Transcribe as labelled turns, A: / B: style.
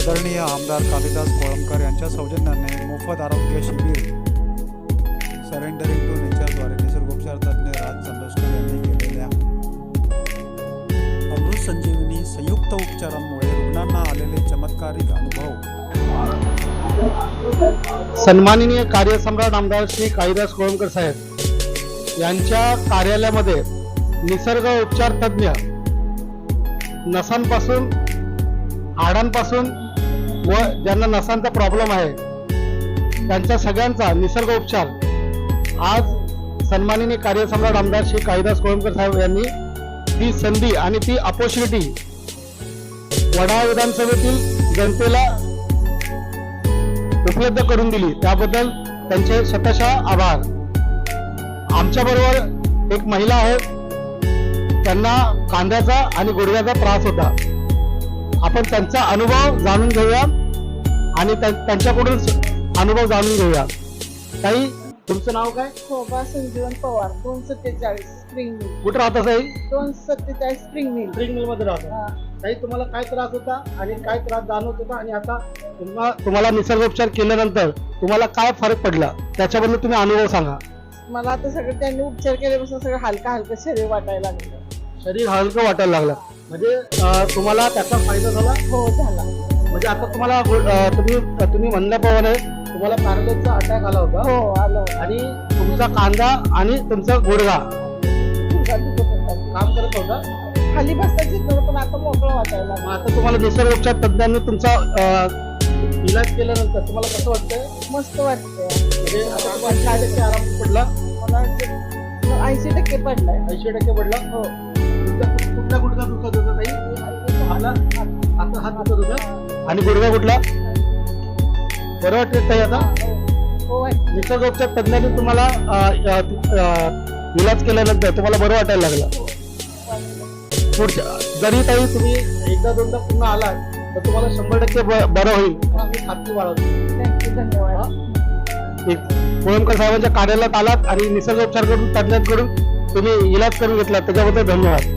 A: आदरणीय आमदार कालिदास कोळंबकर यांच्या सौजन्याने मोफत आरोग्य शिबिर सरेंडरिंग टू नेचरद्वारे निसर्गोपचार तज्ज्ञ राज चंद्रशेखर यांनी केलेल्या अमृत संजीवनी संयुक्त उपचारांमुळे रुग्णांना आलेले चमत्कारिक अनुभव।
B: सन्माननीय कार्यसम्राट आमदार श्री कालिदास कोळंबकर साहेब यांच्या कार्यालयामध्ये निसर्ग उपचार तज्ज्ञ नसांपासून हाडांपासून व ज्यांना नसांचा प्रॉब्लेम आहे त्यांच्या सगळ्यांचा निसर्ग उपचार आज सन्माननीय कार्यसम्राट आमदार श्री कालिदास कोळंबकर साहेब यांनी ती संधी आणि ती अपॉर्च्युनिटी वडाळा विधानसभेतील जनतेला उपलब्ध करून दिली, त्याबद्दल त्यांचे शतशः आभार। आमच्याबरोबर एक महिला आहे, त्यांना कांद्याचा आणि गुडघ्याचा त्रास होता। आपण त्यांचा अनुभव जाणून घेऊया आणि त्यांच्याकडून अनुभव जाणून घेऊया। ताई, तुमचं नाव काय?
C: शोभा संजीवन पवार, 247 स्प्रिंग मिल।
B: कुठं राहता ताई?
C: 247 स्प्रिंग मिल।
B: स्प्रिंग मिल मध्ये राहता। ताई, तुम्हाला काय त्रास होता आणि काय त्रास जाणवत होता आणि आता तुम्हाला निसर्गोपचार केल्यानंतर तुम्हाला काय फरक पडला त्याच्याबद्दल तुम्ही अनुभव सांगा।
C: मला आता सगळं त्यांनी उपचार केल्यापासून सगळं हलका हलका शरीर वाटायला लागलं,
B: शरीर हलकं वाटायला लागलं, म्हणजे तुम्हाला त्याचा फायदा झाला?
C: हो झाला।
B: म्हणजे आता तुम्हाला तुम्ही म्हणल्याप्रमाणे तुम्हाला पॅरालिसिसचा अटॅक आला होता?
C: हो आलं।
B: आणि तुमचा कांदा आणि तुमचा गुडघा काम करत होता,
C: खाली बसताच येत नव्हतं, पण आता मोकळं वाटायला लागलं।
B: आता तुम्हाला निसर्गोपचार तज्ञांनी तुमचा इलाज केल्यानंतर तुम्हाला कसं वाटतंय?
C: मस्त वाटतंय।
B: म्हणजे आता तुम्हाला काय टक्के आराम पडला?
C: मला 80% पडलाय।
B: 80% पडला?
C: हो।
B: कुठला गुडघा दुखत होता ताई? आता हात दुखत होता आणि गुडघा कुठला? बरं वाटत ताई आता?
C: हो।
B: निसर्गोपचार तज्ञांनी तुम्हाला इलाज केल्यानंतर तुम्हाला बरं वाटायला लागलं? पुढच्या जरी ताई तुम्ही एकदा दोनदा पुन्हा आला तर तुम्हाला 100% बरं होईल आम्ही खात्री बाळगतो।
C: धन्यवाद।
B: कोळंबकर साहेबांच्या कार्यालयात आलात आणि निसर्गोपचार करून तज्ञांकडून तुम्ही इलाज करून घेतला, त्याच्याबद्दल धन्यवाद।